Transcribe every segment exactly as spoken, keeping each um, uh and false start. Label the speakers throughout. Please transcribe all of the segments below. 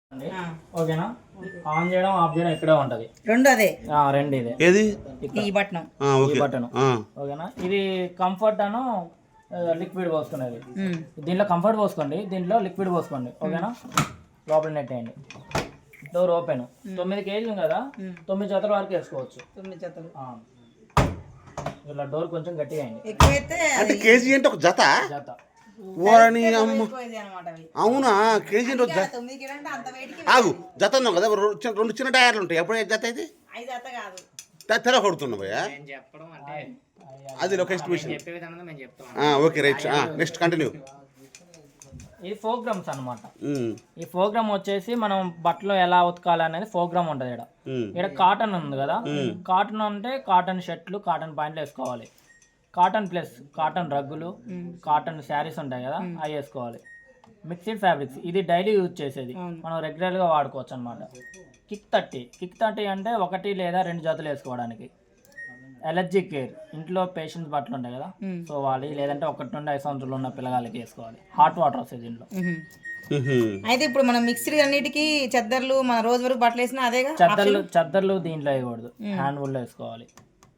Speaker 1: ఓకేనా ఆన్ చేయడం ఆఫ్ చేయడం ఇక్కడే ఉంటది
Speaker 2: రెండు అదే
Speaker 1: రెండు ఇదే
Speaker 3: ఏది
Speaker 2: ఈ బటన్
Speaker 1: ఈ బటన్ ఓకేనా ఇది కంఫర్ట్ అను లిక్విడ్ పోసుకునేది దీంట్లో కంఫర్ట్ పోసుకోండి దీంట్లో లిక్విడ్ పోసుకోండి ఓకేనా లోపల నెట్ వేయండి డోర్ ఓపెన్ తొమ్మిది కేజీలు కదా తొమ్మిది జతల వరకు వేసుకోవచ్చు
Speaker 2: తొమ్మిది జతలు
Speaker 1: ఇలా డోర్ కొంచెం గట్టిగా అయింది
Speaker 2: ఎక్కువైతే
Speaker 3: అంటే కేజీ అంటే ఒక జత
Speaker 1: జత
Speaker 3: ఓరని అమ్మ
Speaker 2: అనమాట
Speaker 3: అవునా కేజీ అంటే ఒక జత
Speaker 2: తొమ్మిది కిలో అంటే అంత వెయిట్కి
Speaker 3: ఆగు జత ఉన్నావు కదా రెండు చిన్న- రెండు చిన్న టైర్లు ఉంటాయి ఎప్పుడు జత అయితే
Speaker 2: ఐదు జత కాదు
Speaker 3: తెర కొడుతున్నావు భయ్యా
Speaker 4: చెప్పడం అంటే
Speaker 3: అది ఒక ఎస్టిమేషన్
Speaker 4: చెప్పే విధానంలో మేము చెప్తాం.
Speaker 3: ఓకే రైట్ నెక్స్ట్ కంటిన్యూ
Speaker 1: ఇది ప్రోగ్రామ్స్ అనమాట ఈ ప్రోగ్రామ్ వచ్చేసి మనం బట్టలు ఎలా ఉతకాలి అనేది ప్రోగ్రామ్ ఉంటుంది ఇక్కడ ఇక్కడ కాటన్ ఉంది కదా కాటన్ అంటే కాటన్ షర్ట్లు కాటన్ ప్యాంట్లు వేసుకోవాలి కాటన్ ప్లస్ కాటన్ రగ్గులు కాటన్ శారీస్ ఉంటాయి కదా అవి వేసుకోవాలి మిక్స్డ్ ఫ్యాబ్రిక్స్ ఇది డైలీ యూజ్ చేసేది మనం రెగ్యులర్గా వాడుకోవచ్చు అనమాట కిక్ థర్టీ కిక్ థర్టీ అంటే ఒకటి లేదా రెండు జతలు వేసుకోవడానికి ఎలర్జీ కేర్ ఇంట్లో పేషెంట్స్ బట్టలు ఉంటాయి కదా సో వాళ్ళు లేదంటే ఒకటి నుండి ఐదు సంవత్సరాలు ఉన్న పిల్లగాళ్ళకి వేసుకోవాలి హాట్ వాటర్ వస్తుంది దీంట్లో
Speaker 2: అయితే ఇప్పుడు మనం మిక్స్డ్ అన్నిటికీ చెద్దర్లు మన రోజు వరకు బట్టలు వేసినా అదేగా
Speaker 1: చద్దర్లు చద్దర్లు దీంట్లో వేయకూడదు హ్యాండ్ వుల్లో వేసుకోవాలి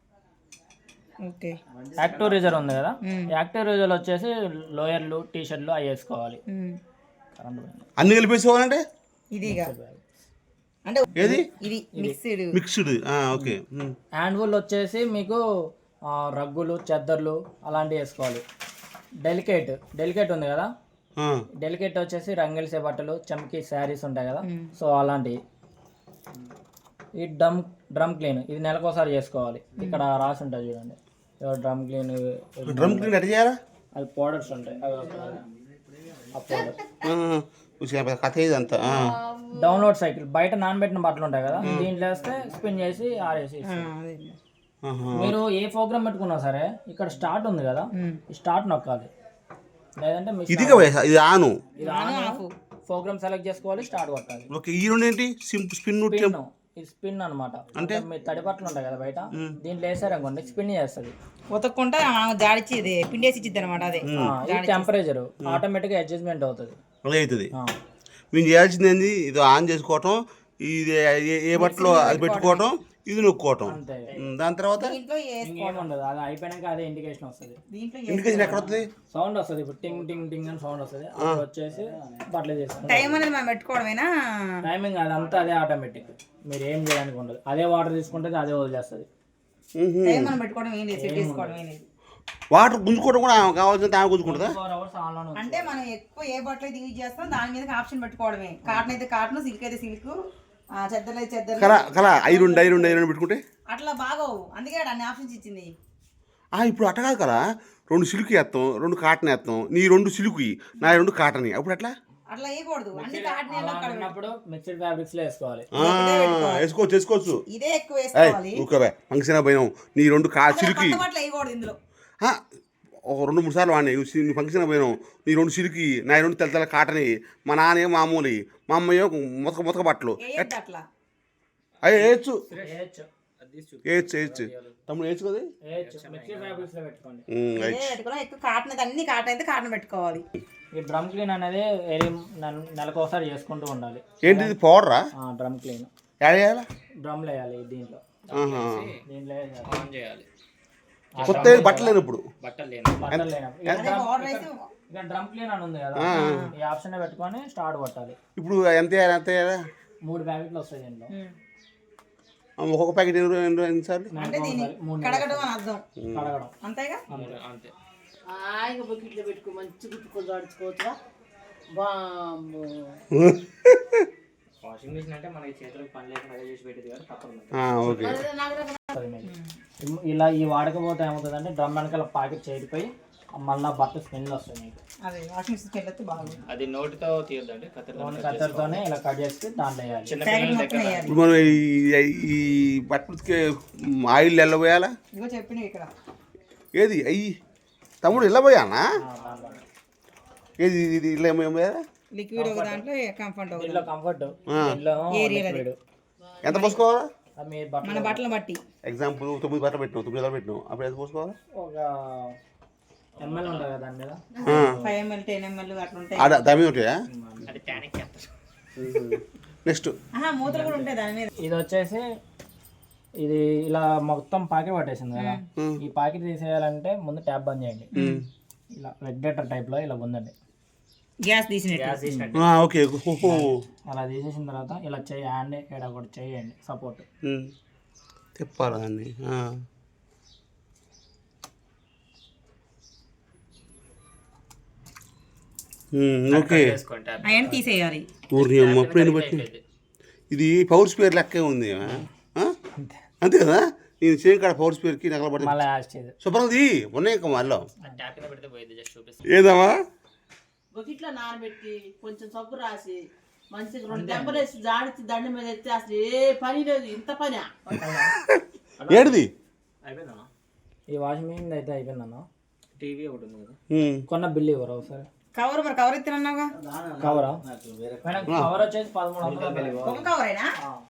Speaker 2: ఓకే
Speaker 1: యాక్టివ్ రీజర్ ఉంది కదా యాక్టివ్ రీజర్ వచ్చేసి లోయర్లు టీ షర్ట్లు అవి వేసుకోవాలి కరెంట్ పోయింది.
Speaker 3: అన్ని కలిపేసుకోవాలంటే
Speaker 2: ఇదిగా అంటే
Speaker 3: ఏది
Speaker 2: ఇది mixed
Speaker 3: mixed okay
Speaker 1: hand wool వచ్చేసి మీకు ఆ, రగ్గులు చెద్దర్లు అలాంటివి వేసుకోవాలి డెలికేట్ డెలికేట్ ఉంది కదా డెలికేట్ వచ్చేసి రంగులిసే బట్టలు చమ్కీ శారీస్ ఉంటాయి కదా సో అలాంటివి ఈ డ్రమ్ డ్రమ్ క్లీన్ ఇది నెలకోసారి చేసుకోవాలి ఇక్కడ రాసి ఉంటుంది చూడండి డ్రమ్ క్లీన్
Speaker 3: డ్రమ్ క్లీన్ ఎట్లా చేయాలా
Speaker 1: అది పౌడర్స్ ఉంటాయి అవి ఒక- ఆ పౌడర్
Speaker 3: ఆ, కథ ఇదంతా ఆ.
Speaker 1: డౌన్లోడ్ సైకిల్ బయట నానబెట్టిన బట్టలు ఉంటాయి కదా దీంట్లో వేస్తే స్పిన్ చేసి ఆరేసి ఇస్తుంది.
Speaker 3: ఆహా.
Speaker 1: మీరు ఏ ప్రోగ్రామ్ పెట్టుకున్నా సరే ఇక్కడ స్టార్ట్ ఉంది కదా ఈ స్టార్ట్ నొక్కాలి లేదంటే మీ
Speaker 3: ఇదిగా వయసు ఇది ఆను
Speaker 1: ఇది ఆన్ ప్రోగ్రామ్ సెలెక్ట్ చేసుకోవాలి స్టార్ట్ కొట్టాలి
Speaker 3: ఓకే ఈ రెండు ఏంటి సింపుల్ స్పిన్
Speaker 1: స్పిన్ ఇది స్పిన్ అనమాట అంటే మీ తడి బట్టలు ఉంటాయి కదా బయట దీంట్లో వేసారనుకోండి స్పిన్ చేస్తుంది
Speaker 2: ఉతక్కుంటా జాడిచ్చి ఇది పిండేసి ఇచ్చిద్ది అనమాట అదే
Speaker 1: ఈ టెంపరేచర్ ఆటోమేటిక్ అడ్జస్ట్మెంట్ అవుతుంది
Speaker 3: అలా అవుతుంది మేము చేయాల్సింది ఏంది ఇది ఆన్ చేసుకోవటం ఇది ఏ- ఏ బట్టలో అది పెట్టుకోవటం ఇది నొక్కోవటం
Speaker 1: అంతే
Speaker 3: ఉమ్, దాని తర్వాత
Speaker 2: దీంట్లో ఏ-
Speaker 1: ఇంకేముండదు అది అయిపోయినాక అదే ఇండికేషన్ వస్తుంది
Speaker 2: దీంట్లో
Speaker 3: ఇండికేషన్ ఎక్కడ వస్తుంది
Speaker 1: సౌండ్ వస్తుంది ఇప్పుడు టింగ్ టింగ్ టింగ్ అని సౌండ్ వస్తుంది అప్పుడు వచ్చేసి బట్టలు చేసుకుంటాం
Speaker 2: టైం అనేది మనం పెట్టుకోవడమేనా
Speaker 1: టైమింగ్ అదంతా అదే ఆటోమేటిక్ మీరు ఏం చేయడానికి ఉండదు అదే వాటర్ తీసుకుంటే అదే వదిలేస్తుంది
Speaker 2: టైం మనం పెట్టుకోవడం ఏం లేదు సెట్ చేసుకోవడం ఏం లేదు
Speaker 3: వాటర్ గుంజుకోవడం కూడా ఆమె కావాల్సిన ఆమె గుంజుకుంటుందా
Speaker 1: ఫోర్ అవర్స్ ఆన్లోనే
Speaker 2: అంటే మనం ఎక్కువ ఏ బట్టలు అయితే యూజ్ చేస్తాం దాని మీద ఆప్షన్ పెట్టుకోవడమే కాటన్ అయితే కాటన్ సిల్క్ అయితే సిల్క్ చెద్దర్లు అయితే చెద్దర్లు
Speaker 3: కలా కలా ఐరన్ ఐరన్ ఐరన్ పెట్టుకుంటే
Speaker 2: అట్లా బాగోవు అందుకే ఆడ అన్ని ఆప్షన్స్ ఇచ్చింది
Speaker 3: ఆ, ఇప్పుడు అట్ట కాదు కదా రెండు సిల్క్ వేస్తాం రెండు కాటన్ వేస్తాం నీ రెండు సిల్క్ నా రెండు కాటన్ అప్పుడు ఎట్లా
Speaker 2: అట్లా వేయకూడదు అన్ని కాటన్
Speaker 1: అలా ఉన్నప్పుడు మిక్స్డ్ ఫ్యాబ్రిక్స్ లో వేసుకోవాలి
Speaker 3: ఆ, వేసుకోవచ్చు వేసుకోవచ్చు
Speaker 2: ఇదే ఎక్కువ
Speaker 3: ఏయ్
Speaker 2: వేసుకోవాలి
Speaker 3: ఊరుకోవే ఫంక్షన్ పోయినాం నీ రెండు కా సిల్క్
Speaker 2: కొత్త బట్టలు వేయకూడదు ఇందులో
Speaker 3: ఒక రెండు మూడు సార్లు వాడినాయి నీ ఫంక్షన్ పోయినాం నీ రెండు సిల్కి నా రెండు తెల్ల తెల్ల కాటని మా నాన్న మామూలు మా అమ్మయ్యో మొతక మొతక బట్టలు
Speaker 2: వేయద్దు అట్లా
Speaker 3: అవి వేయచ్చు
Speaker 1: వేయచ్చు
Speaker 3: వేయచ్చు వేయచ్చు తమ్ముడు వేయచ్చు కదా
Speaker 1: వేయచ్చు మిక్స్డ్ ఫ్యాబ్రిక్స్ లో పెట్టుకోండి
Speaker 3: ఉమ్,
Speaker 2: ఇదే
Speaker 3: వేయచ్చు.
Speaker 2: పెట్టుకోవాలి ఎక్కువ కాటన్ అయితే అన్ని కాటన్ అయితే కాటన్ పెట్టుకోవాలి
Speaker 1: ఈ డ్రమ్ క్లీన్ అనేది ఏరి నెల- నెలకు ఒకసారి చేసుకుంటూ ఉండాలి
Speaker 3: ఏంటి ఇది పౌడరా
Speaker 1: డ్రమ్ క్లీన్
Speaker 3: యాడ్ చేయాలా
Speaker 1: డ్రమ్లో వేయాలి దీంట్లో
Speaker 3: ఆహా.
Speaker 1: దీంట్లో వేయాలి.
Speaker 4: ఆన్ చేయాలి
Speaker 3: కొత్త బట్టలు లేని ఇప్పుడు
Speaker 4: బట్టలు లేని
Speaker 1: బట్టలు లేనప్పుడు ఇక
Speaker 2: అదే
Speaker 1: డ్రమ్
Speaker 2: పౌడర్ అయితే
Speaker 1: ఇక డ్రమ్ క్లీన్ అని ఉంది కదా ఈ ఆప్షన్ పెట్టుకొని స్టార్ట్ కొట్టాలి
Speaker 3: ఇప్పుడు ఎంత వేయాలి ఎంత వేయాలా
Speaker 1: మూడు ప్యాకెట్లు వస్తాయి దీంట్లో
Speaker 2: ఉమ్.
Speaker 3: ఒక్కొక్క ప్యాకెట్ ఎన్ని ఎన్ని ఎన్నిసార్లు
Speaker 2: అంటే దీన్ని
Speaker 1: మూడు
Speaker 2: కడగడం అని అర్థం
Speaker 1: కడగడం
Speaker 2: అంతేగా
Speaker 4: అంతే
Speaker 5: హాయిగా బకెట్లో పెట్టుకో మంచి గుట్టుకొని దాడుచుకోవచ్చురా బాంబు
Speaker 4: వాషింగ్ మిషన్ అంటే మనకి చేతులకు పని లేకుండా అదే చేసి పెట్టేది కానీ తప్పదు మనకి.
Speaker 3: ఆ, ఓకే
Speaker 1: వస్తుంది మీకు. ఇలా ఈ వాడకపోతే ఏమవుతుందంటే డ్రమ్ వెనకాల ప్యాకెట్ చేరిపోయి మళ్ళీ బట్ట స్మెల్ వస్తుంది మీకు
Speaker 2: అదే వాషింగ్ మిషన్ వెళ్ళొస్తే బాగుంది
Speaker 4: అది నోటితో తీయొద్దండి కత్తితో
Speaker 1: ఓన్లీ కత్తెరతోనే ఇలా కట్ చేసి దాంట్లో వేయాలి
Speaker 4: చిన్న
Speaker 2: ప్యాకెట్
Speaker 4: పిల్లల
Speaker 2: మొత్తం
Speaker 4: దగ్గర
Speaker 2: వేయాలి
Speaker 3: ఇప్పుడు మనం ఈ ఈ బట్టలకి ఆయిల్ ఎలా పోయాలా
Speaker 2: ఇదిగో చెప్పినవి ఇక్కడ
Speaker 3: ఏది అయ్యి తమ్ముడు ఇలా పోయానా
Speaker 1: ఆ, దాంట్లో.
Speaker 3: ఏది ఇది ఇలా ఏమో ఏమో పోయాలా?
Speaker 2: లిక్విడ్ ఒక దాంట్లో కంఫర్ట్ ఒక
Speaker 1: దీంట్లో కంఫర్ట్
Speaker 3: ఆ.
Speaker 1: దీంట్లో
Speaker 2: ఏరియల్ అది.
Speaker 1: లిక్విడ్
Speaker 3: ఎంత పోసుకోవాలా
Speaker 1: అది మీ
Speaker 2: మన
Speaker 1: బట్టలు
Speaker 2: బట్టలు బట్టి
Speaker 3: ఎగ్జాంపుల్ తొమ్మిది బట్టలు పెట్టినావు తొమ్మిది బట్టలు పెట్టినావు అప్పుడు ఎంత పోసుకోవాలా
Speaker 1: ఒక ఎంఎల్ ఉంటుంది కదా దాని మీద
Speaker 3: ఆ.
Speaker 2: ఫైవ్ ఎంఎల్ టెన్ ఎంఎల్ అట్లా ఉంటాయి
Speaker 3: ఆడ దమ్మి ఉంటాయా
Speaker 4: అది టానిక్ చేస్తారు
Speaker 3: నెక్స్ట్
Speaker 2: ఆహా, మూతలు కూడా ఉంటాయి దాని మీద.
Speaker 1: ఇది వచ్చేసి ఇది ఇలా మొత్తం పాకెట్ పట్టేసింది కదా, ఈ పాకెట్ తీసేయాలంటే ముందు ట్యాప్ బంద్ చేయండి. ఇలా రెగ్యులేటర్ టైప్లో ఇలా ఉందండి,
Speaker 2: గ్యాస్ తీసినట్టు.
Speaker 1: గ్యాస్ తీసినట్టు.
Speaker 3: ఓకే ఓహో
Speaker 1: అలా తీసేసిన తర్వాత ఇలా చేయి హ్యాండ్ ఇక్కడ కూడా చేయండి సపోర్ట్.
Speaker 3: తిప్పాలి దాన్ని. ఓకే
Speaker 4: వేసుకుంటే
Speaker 2: అవన్నీ తీసేయాలి.
Speaker 3: ఊరిని అమ్మ అప్పుడైనా బట్టి ఇది పవర్ స్పేర్ లెక్కే ఉంది. ఆ? అంతే కదా, నేను సేమ్ కాడ పవర్ స్పేర్కి నగల పడి
Speaker 1: మళ్ళీ యాడ్ చేయదు.
Speaker 3: శుభ్రంది ఉన్నాయి ఇంకా మళ్ళీ
Speaker 4: ట్యాప్ కింద పెడితే పోయింది, జస్ట్ చూపిస్తాను.
Speaker 3: ఏదమ్మా
Speaker 5: బొకిట్లో నానబెట్టి కొంచెం సబ్బు రాసి మంచిగా రెండు దెబ్బలు వేసి జాడిచి దండ మీద ఎత్తే అసలు ఏ పని లేదు, ఇంత పని.
Speaker 3: ఏడిది
Speaker 4: అయిపోయిందమ్మా.
Speaker 1: ఈ వాషింగ్ మెషిన్ అయితే అయిపోయిందన్న.
Speaker 4: టీవీ ఒకటి ఉంది కదా,
Speaker 1: కొన్న బిల్లు ఇవ్వరు ఒకసారి.
Speaker 2: కవర్ మరి కవర్ ఇస్తున్నావుగా.
Speaker 1: కవరా కవర్ వచ్చేసి పదమూడు వందలు.
Speaker 2: ఒక కవరేనా?